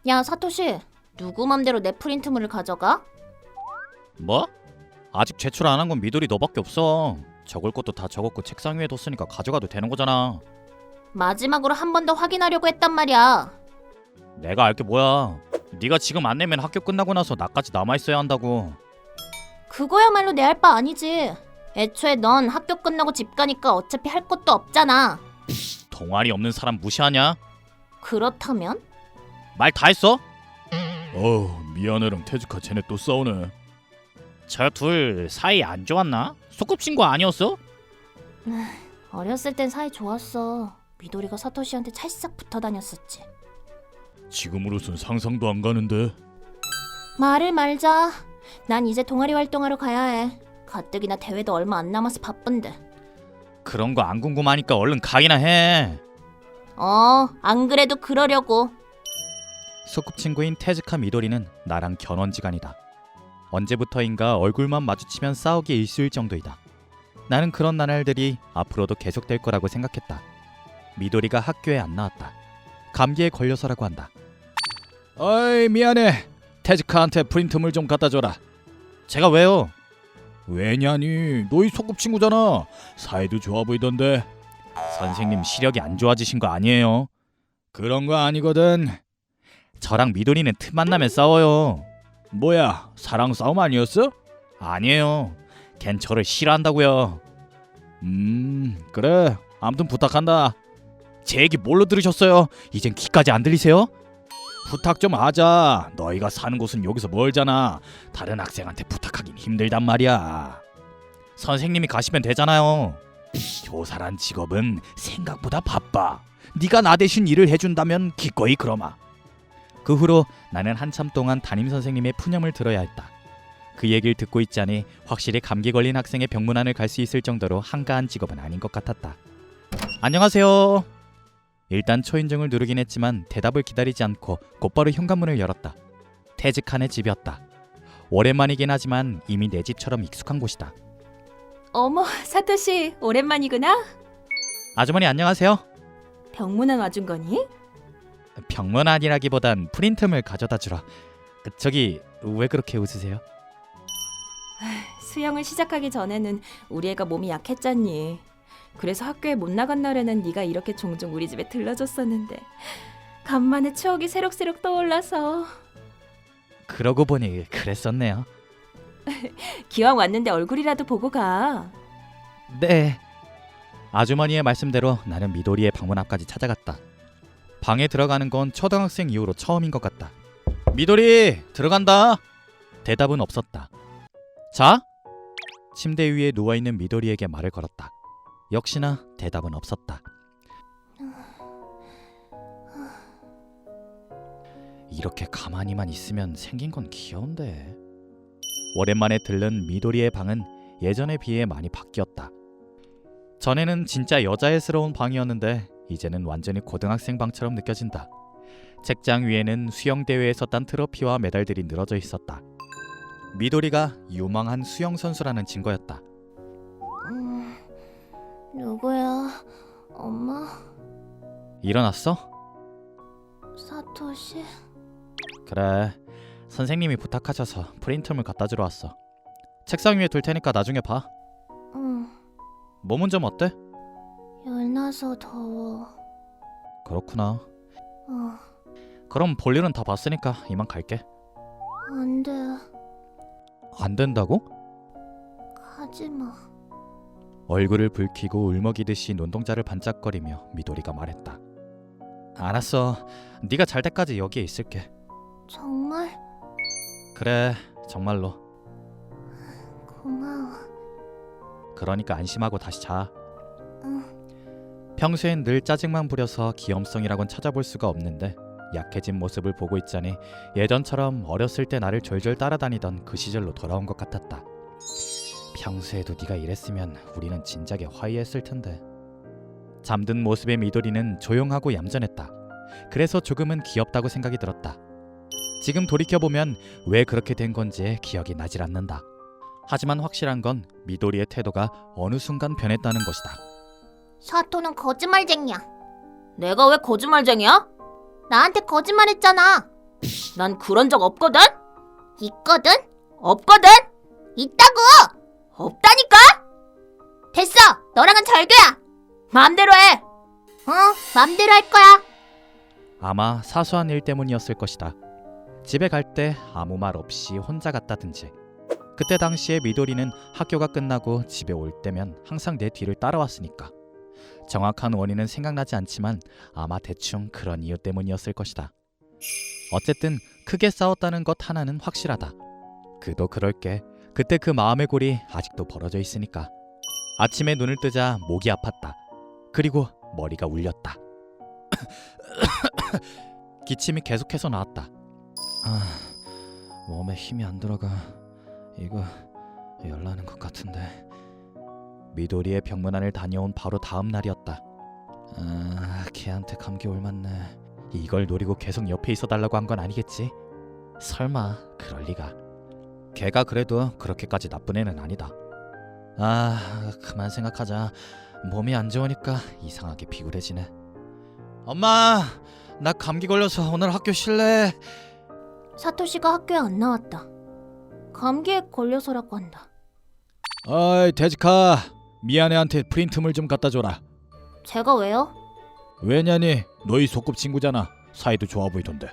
야, 사토시. 누구 맘대로 내 프린트물을 가져가? 뭐? 아직 제출 안 한 건 미도리 너밖에 없어. 적을 것도 다 적었고 책상 위에 뒀으니까 가져가도 되는 거잖아. 마지막으로 한 번 더 확인하려고 했단 말이야. 내가 알 게 뭐야. 네가 지금 안 내면 학교 끝나고 나서 나까지 남아있어야 한다고. 그거야말로 내 할 바 아니지. 애초에 넌 학교 끝나고 집 가니까 어차피 할 것도 없잖아. 동아리 없는 사람 무시하냐? 그렇다면? 말 다 했어? 미안해랑 태즈카 쟤네 또 싸우네. 저 둘 사이 안 좋았나? 소꿉친구 아니었어? 어렸을 땐 사이 좋았어. 미도리가 사토시한테 찰싹 붙어 다녔었지. 지금으로선 상상도 안 가는데. 말을 말자. 난 이제 동아리 활동하러 가야 해. 가뜩이나 대회도 얼마 안 남아서 바쁜데. 그런 거 안 궁금하니까 얼른 가기나 해. 안 그래도 그러려고. 소꿉친구인 테즈카 미도리는 나랑 견원지간이다. 언제부터인가 얼굴만 마주치면 싸우기 일쑤일 정도이다. 나는 그런 나날들이 앞으로도 계속될 거라고 생각했다. 미도리가 학교에 안 나왔다. 감기에 걸려서라고 한다. 어이 미안해. 테즈카한테 프린트물 좀 갖다 줘라. 제가 왜요? 왜냐니 너희 소꿉친구잖아. 사이도 좋아 보이던데. 선생님 시력이 안 좋아지신 거 아니에요? 그런 거 아니거든. 저랑 미도리는 틈만 나면 싸워요. 뭐야 사랑 싸움 아니었어? 아니에요. 걘 저를 싫어한다고요. 그래 아무튼 부탁한다. 제 얘기 뭘로 들으셨어요? 이젠 귀까지 안 들리세요? 부탁 좀 하자. 너희가 사는 곳은 여기서 멀잖아. 다른 학생한테 부탁하긴 힘들단 말이야. 선생님이 가시면 되잖아요. 교사란 직업은 생각보다 바빠. 네가 나 대신 일을 해준다면 기꺼이 그러마. 그 후로 나는 한참 동안 담임 선생님의 푸념을 들어야 했다. 그 얘기를 듣고 있자니 확실히 감기 걸린 학생의 병문안을 갈 수 있을 정도로 한가한 직업은 아닌 것 같았다. 안녕하세요. 일단 초인종을 누르긴 했지만 대답을 기다리지 않고 곧바로 현관문을 열었다. 테즈칸의 집이었다. 오랜만이긴 하지만 이미 내 집처럼 익숙한 곳이다. 어머, 사토시 오랜만이구나. 아주머니 안녕하세요. 병문안 와준 거니? 병문안이라기보단 프린트물 가져다 주러. 저기 왜 그렇게 웃으세요? 수영을 시작하기 전에는 우리 애가 몸이 약했잖니. 그래서 학교에 못 나간 날에는 네가 이렇게 종종 우리 집에 들러줬었는데 간만에 추억이 새록새록 떠올라서. 그러고 보니 그랬었네요. 기왕 왔는데 얼굴이라도 보고 가. 네. 아주머니의 말씀대로 나는 미도리의 방문 앞까지 찾아갔다. 방에 들어가는 건 초등학생 이후로 처음인 것 같다. 미도리 들어간다. 대답은 없었다. 자? 침대 위에 누워있는 미도리에게 말을 걸었다. 역시나 대답은 없었다. 이렇게 가만히만 있으면 생긴 건 귀여운데. 오랜만에 들른 미도리의 방은 예전에 비해 많이 바뀌었다. 전에는 진짜 여자애스러운 방이었는데 이제는 완전히 고등학생 방처럼 느껴진다. 책장 위에는 수영대회에서 딴 트로피와 메달들이 늘어져 있었다. 미도리가 유망한 수영선수라는 증거였다. 누구야? 엄마? 일어났어? 사토시? 그래. 선생님이 부탁하셔서 프린트물 갖다 주러 왔어. 책상 위에 둘 테니까 나중에 봐. 응. 몸은 좀 어때? 열나서 더워. 그렇구나. 그럼 볼일은 다 봤으니까 이만 갈게. 안 돼. 안 된다고? 가지마. 얼굴을 붉히고 울먹이듯이 눈동자를 반짝거리며 미도리가 말했다. 알았어. 네가 잘 때까지 여기에 있을게. 정말? 그래, 정말로. 고마워. 그러니까 안심하고 다시 자. 응. 평소엔 늘 짜증만 부려서 귀염성이라곤 찾아볼 수가 없는데 약해진 모습을 보고 있자니 예전처럼 어렸을 때 나를 졸졸 따라다니던 그 시절로 돌아온 것 같았다. 평소에도 네가 이랬으면 우리는 진작에 화해했을 텐데. 잠든 모습의 미도리는 조용하고 얌전했다. 그래서 조금은 귀엽다고 생각이 들었다. 지금 돌이켜보면 왜 그렇게 된 건지 기억이 나질 않는다. 하지만 확실한 건 미도리의 태도가 어느 순간 변했다는 것이다. 사토는 거짓말쟁이야. 내가 왜 거짓말쟁이야? 나한테 거짓말했잖아. 난 그런 적 없거든? 있거든? 없거든? 있다고! 없다니까? 됐어! 너랑은 절교야! 마음대로 해. 맘대로 할 거야. 아마 사소한 일 때문이었을 것이다. 집에 갈 때 아무 말 없이 혼자 갔다든지, 그때 당시에 미도리는 학교가 끝나고 집에 올 때면 항상 내 뒤를 따라왔으니까. 정확한 원인은 생각나지 않지만 아마 대충 그런 이유 때문이었을 것이다. 어쨌든 크게 싸웠다는 것 하나는 확실하다. 그도 그럴게. 그때 그 마음의 골이 아직도 벌어져 있으니까. 아침에 눈을 뜨자 목이 아팠다. 그리고 머리가 울렸다. 기침이 계속해서 나왔다. 몸에 힘이 안 들어가. 이거 열나는 것 같은데. 미도리의 병문안을 다녀온 바로 다음 날이었다. 걔한테 감기 올맞네. 이걸 노리고 계속 옆에 있어달라고 한 건 아니겠지? 설마 그럴 리가. 걔가 그래도 그렇게까지 나쁜 애는 아니다. 그만 생각하자. 몸이 안 좋으니까 이상하게 비굴해지네. 엄마, 나 감기 걸려서 오늘 학교 쉴래. 사토시가 학교에 안 나왔다. 감기에 걸려서라고 한다. 어이 데지카, 미안해한테 프린트물 좀 갖다 줘라. 제가 왜요? 왜냐니, 너희 소꿉친구잖아. 사이도 좋아 보이던데.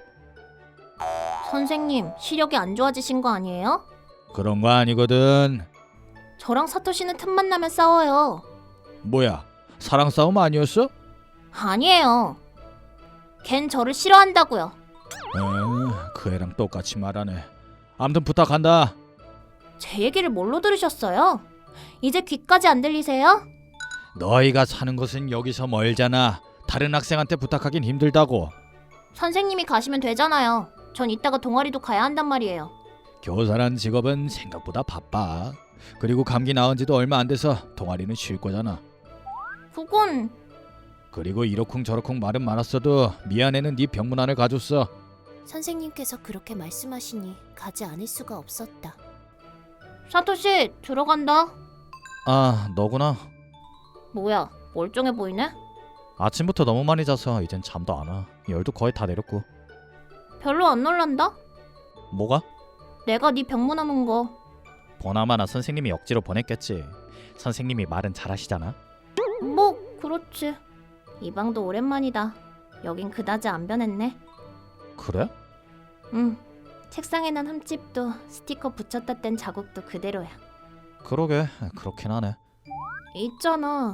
선생님, 시력이 안 좋아지신 거 아니에요? 그런 거 아니거든. 저랑 사토시는 틈만 나면 싸워요. 뭐야, 사랑 싸움 아니었어? 아니에요. 걘 저를 싫어한다고요. 그 애랑 똑같이 말하네. 아무튼 부탁한다. 제 얘기를 뭘로 들으셨어요? 이제 귀까지 안 들리세요? 너희가 사는 곳은 여기서 멀잖아. 다른 학생한테 부탁하긴 힘들다고. 선생님이 가시면 되잖아요. 전 이따가 동아리도 가야 한단 말이에요. 교사란 직업은 생각보다 바빠. 그리고 감기 나은 지도 얼마 안 돼서 동아리는 쉴 거잖아. 그건... 그리고 이러쿵저러쿵 말은 많았어도 미안해는 네 병문안을 가줬어. 선생님께서 그렇게 말씀하시니 가지 않을 수가 없었다. 사토시, 들어간다. 너구나. 뭐야, 멀쩡해 보이네? 아침부터 너무 많이 자서 이젠 잠도 안 와. 열도 거의 다 내렸고. 별로 안 놀란다? 뭐가? 내가 네 병문안 온 거. 보나마나 선생님이 억지로 보냈겠지. 선생님이 말은 잘하시잖아. 뭐 그렇지. 이 방도 오랜만이다. 여긴 그다지 안 변했네. 그래? 응. 책상에 난 흠집도 스티커 붙였다 뗀 자국도 그대로야. 그러게, 그렇긴 하네. 있잖아.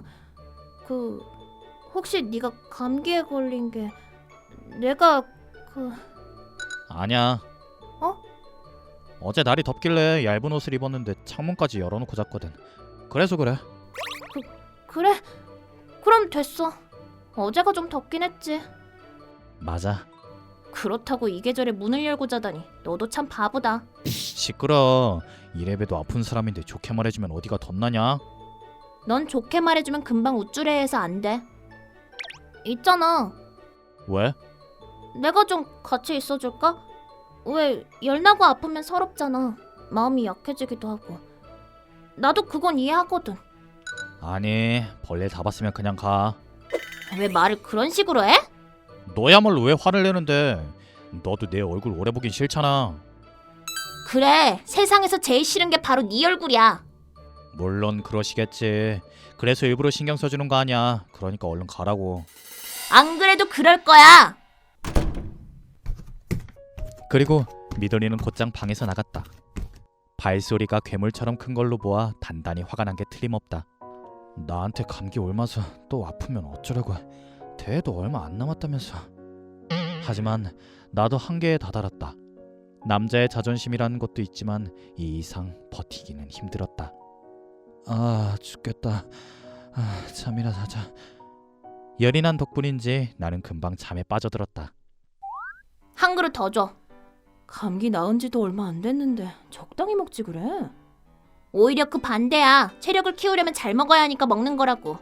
혹시 네가 감기에 걸린 게 내가 아니야. 어? 어제 날이 덥길래 얇은 옷을 입었는데 창문까지 열어놓고 잤거든. 그래서 그래. 그래? 그럼 됐어. 어제가 좀 덥긴 했지. 맞아. 그렇다고 이 계절에 문을 열고 자다니 너도 참 바보다. 시끄러. 이래봬도 아픈 사람인데 좋게 말해주면 어디가 덧나냐? 넌 좋게 말해주면 금방 우쭐해해서 안 돼. 있잖아. 왜? 내가 좀 같이 있어줄까? 왜 열나고 아프면 서럽잖아. 마음이 약해지기도 하고. 나도 그건 이해하거든. 아니, 벌레 잡았으면 그냥 가. 왜 말을 그런 식으로 해? 너야말로 왜 화를 내는데? 너도 내 얼굴 오래 보긴 싫잖아. 그래, 세상에서 제일 싫은 게 바로 네 얼굴이야. 물론 그러시겠지. 그래서 일부러 신경 써주는 거 아니야. 그러니까 얼른 가라고. 안 그래도 그럴 거야. 그리고 미도리는 곧장 방에서 나갔다. 발소리가 괴물처럼 큰 걸로 보아 단단히 화가 난 게 틀림없다. 나한테 감기 옮아서 또 아프면 어쩌려고. 대회도 얼마 안 남았다면서. 하지만 나도 한계에 다다랐다. 남자의 자존심이라는 것도 있지만 이 이상 버티기는 힘들었다. 죽겠다. 잠이나 자자. 열이 난 덕분인지 나는 금방 잠에 빠져들었다. 한 그릇 더 줘. 감기 나은 지도 얼마 안 됐는데 적당히 먹지 그래. 오히려 그 반대야. 체력을 키우려면 잘 먹어야 하니까 먹는 거라고.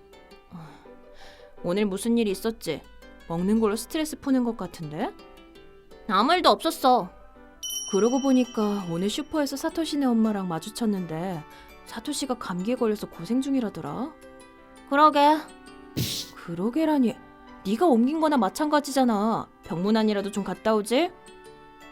오늘 무슨 일이 있었지? 먹는 걸로 스트레스 푸는 것 같은데? 아무 일도 없었어. 그러고 보니까 오늘 슈퍼에서 사토시네 엄마랑 마주쳤는데 사토시가 감기에 걸려서 고생 중이라더라. 그러게. 그러게라니, 네가 옮긴 거나 마찬가지잖아. 병문안이라도 좀 갔다 오지?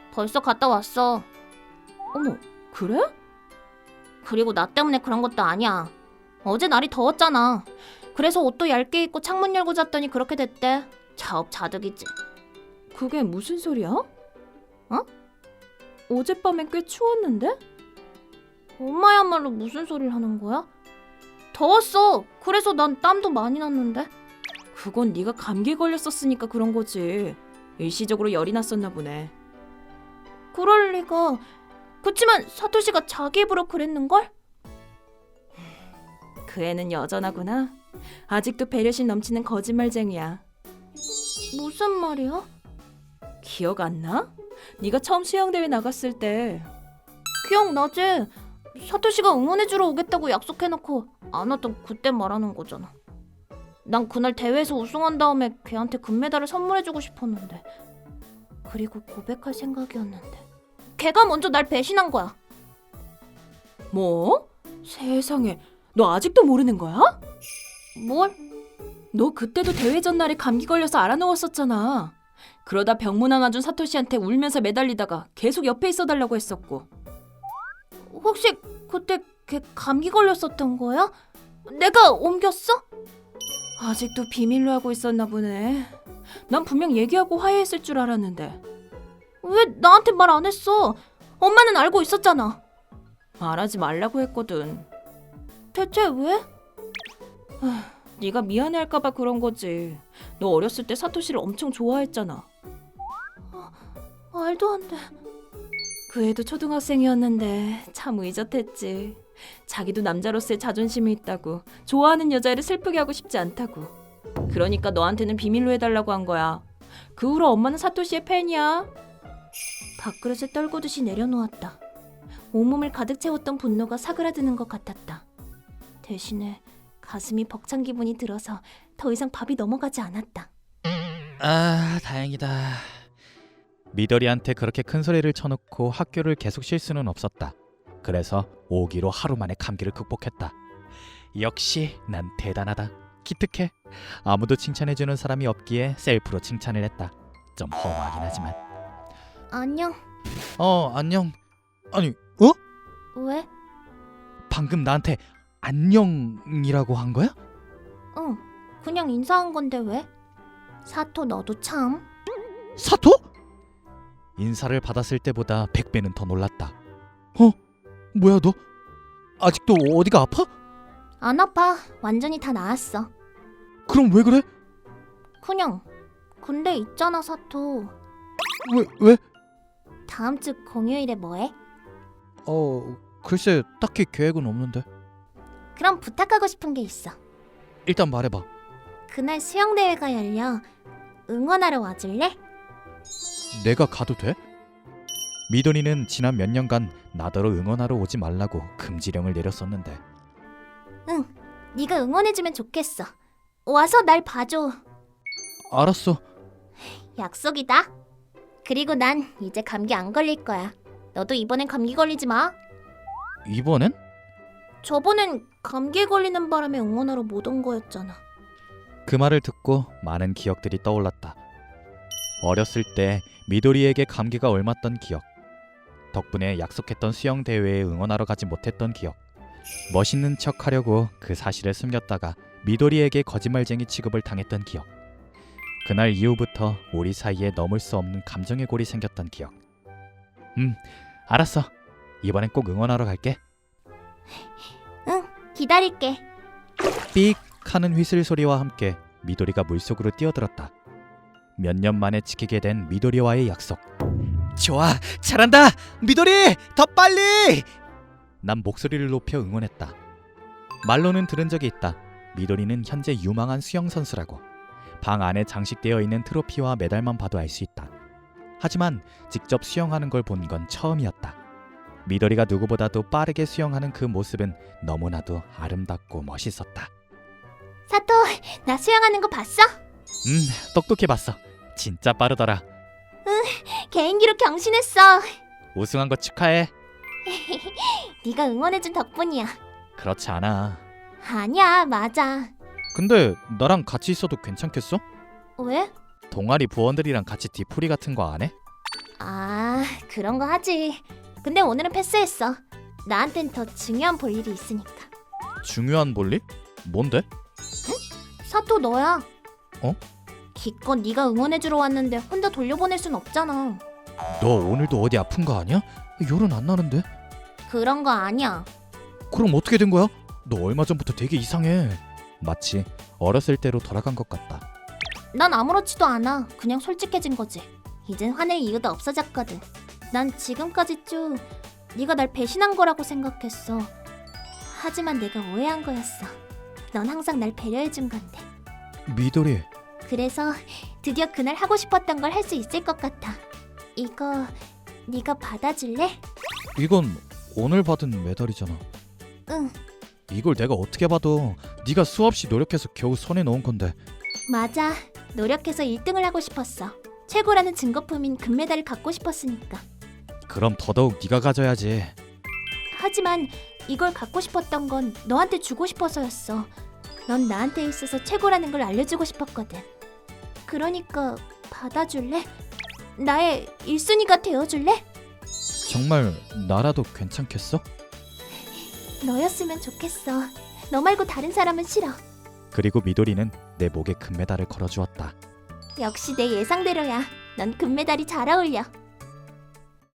벌써 갔다 왔어. 어머, 그래? 그리고 나 때문에 그런 것도 아니야. 어제 날이 더웠잖아. 그래서 옷도 얇게 입고 창문 열고 잤더니 그렇게 됐대. 자업자득이지. 그게 무슨 소리야? 어젯밤엔 꽤 추웠는데? 엄마야말로 무슨 소리를 하는 거야? 더웠어. 그래서 난 땀도 많이 났는데. 그건 네가 감기 걸렸었으니까 그런 거지. 일시적으로 열이 났었나 보네. 그럴 리가. 그치만 사토시가 자기 입으로 그랬는걸? 그 애는 여전하구나. 아직도 배려심 넘치는 거짓말쟁이야. 무슨 말이야? 기억 안 나? 네가 처음 수영대회 나갔을 때 기억나지? 사토시가 응원해주러 오겠다고 약속해놓고 안 왔던 그때 말하는 거잖아. 난 그날 대회에서 우승한 다음에 걔한테 금메달을 선물해주고 싶었는데, 그리고 고백할 생각이었는데 걔가 먼저 날 배신한 거야. 뭐? 세상에, 너 아직도 모르는 거야? 뭘? 너 그때도 대회 전날에 감기 걸려서 알아누웠었잖아. 그러다 병문 하나 준 사토시한테 울면서 매달리다가 계속 옆에 있어달라고 했었고. 혹시 그때 걔 감기 걸렸었던 거야? 내가 옮겼어? 아직도 비밀로 하고 있었나 보네. 난 분명 얘기하고 화해했을 줄 알았는데. 왜 나한테 말 안 했어? 엄마는 알고 있었잖아. 말하지 말라고 했거든. 대체 왜? 네가 미안해할까봐 그런 거지. 너 어렸을 때 사토시를 엄청 좋아했잖아. 말도 안 돼. 그 애도 초등학생이었는데 참 의젓했지. 자기도 남자로서의 자존심이 있다고, 좋아하는 여자애를 슬프게 하고 싶지 않다고. 그러니까 너한테는 비밀로 해달라고 한 거야. 그 후로 엄마는 사토시의 팬이야. 밥그릇을 떨구듯이 내려놓았다. 온몸을 가득 채웠던 분노가 사그라드는 것 같았다. 대신에 가슴이 벅찬 기분이 들어서 더 이상 밥이 넘어가지 않았다. 아, 다행이다. 미도리한테 그렇게 큰 소리를 쳐놓고 학교를 계속 쉴 수는 없었다. 그래서 오기로 하루 만에 감기를 극복했다. 역시 난 대단하다. 기특해. 아무도 칭찬해주는 사람이 없기에 셀프로 칭찬을 했다. 좀 허무하긴 하지만. 안녕. 안녕. 아니, 왜? 방금 나한테 안녕이라고 한 거야? 응, 그냥 인사한 건데 왜? 사토 너도 참. 사토? 인사를 받았을 때보다 100배는 더 놀랐다. 뭐야 너? 아직도 어디가 아파? 안 아파. 완전히 다 나았어. 그럼 왜 그래? 그냥. 근데 있잖아 사토. 왜? 다음 주 공휴일에 뭐해? 글쎄 딱히 계획은 없는데. 그럼 부탁하고 싶은 게 있어. 일단 말해봐. 그날 수영대회가 열려. 응원하러 와줄래? 내가 가도 돼? 미도리는 지난 몇 년간 나더러 응원하러 오지 말라고 금지령을 내렸었는데. 응, 네가 응원해주면 좋겠어. 와서 날 봐줘. 알았어. 약속이다. 그리고 난 이제 감기 안 걸릴 거야. 너도 이번엔 감기 걸리지 마. 이번엔? 저번엔 감기에 걸리는 바람에 응원하러 못 온 거였잖아. 그 말을 듣고 많은 기억들이 떠올랐다. 어렸을 때 미도리에게 감기가 옮았던 기억, 덕분에 약속했던 수영대회에 응원하러 가지 못했던 기억, 멋있는 척 하려고 그 사실을 숨겼다가 미도리에게 거짓말쟁이 취급을 당했던 기억, 그날 이후부터 우리 사이에 넘을 수 없는 감정의 골이 생겼던 기억. 알았어. 이번엔 꼭 응원하러 갈게. 응, 기다릴게. 삑 하는 휘슬 소리와 함께 미도리가 물속으로 뛰어들었다. 몇 년 만에 지키게 된 미도리와의 약속. 좋아, 잘한다, 미도리, 더 빨리! 난 목소리를 높여 응원했다. 말로는 들은 적이 있다. 미도리는 현재 유망한 수영 선수라고. 방 안에 장식되어 있는 트로피와 메달만 봐도 알 수 있다. 하지만 직접 수영하는 걸 본 건 처음이었다. 미도리가 누구보다도 빠르게 수영하는 그 모습은 너무나도 아름답고 멋있었다. 사토, 나 수영하는 거 봤어? 똑똑히 봤어. 진짜 빠르더라. 개인기로 경신했어. 우승한 거 축하해. 네가 응원해준 덕분이야. 그렇지 않아. 아니야, 맞아. 근데 나랑 같이 있어도 괜찮겠어? 왜? 동아리 부원들이랑 같이 뒤풀이 같은 거 안 해? 아, 그런 거 하지. 근데 오늘은 패스했어. 나한텐 더 중요한 볼 일이 있으니까. 중요한 볼일? 뭔데? 사토 너야. 어? 기껏 네가 응원해주러 왔는데 혼자 돌려보낼 순 없잖아. 너 오늘도 어디 아픈 거 아니야? 열은 안 나는데? 그런 거 아니야. 그럼 어떻게 된 거야? 너 얼마 전부터 되게 이상해. 마치 어렸을 때로 돌아간 것 같다. 난 아무렇지도 않아. 그냥 솔직해진 거지. 이젠 화낼 이유도 없어졌거든. 난 지금까지 쭉 네가 날 배신한 거라고 생각했어. 하지만 내가 오해한 거였어. 넌 항상 날 배려해준 건데. 미도리, 그래서 드디어 그날 하고 싶었던 걸 할 수 있을 것 같아. 이거 네가 받아줄래? 이건 오늘 받은 메달이잖아. 응, 이걸 내가 어떻게 봐도 네가 수없이 노력해서 겨우 손에 넣은 건데. 맞아. 노력해서 1등을 하고 싶었어. 최고라는 증거품인 금메달을 갖고 싶었으니까. 그럼 더더욱 네가 가져야지. 하지만 이걸 갖고 싶었던 건 너한테 주고 싶어서였어. 넌 나한테 있어서 최고라는 걸 알려주고 싶었거든. 그러니까 받아줄래? 나의 1순위가 되어줄래? 정말 나라도 괜찮겠어? 너였으면 좋겠어. 너 말고 다른 사람은 싫어. 그리고 미도리는 내 목에 금메달을 걸어주었다. 역시 내 예상대로야. 넌 금메달이 잘 어울려.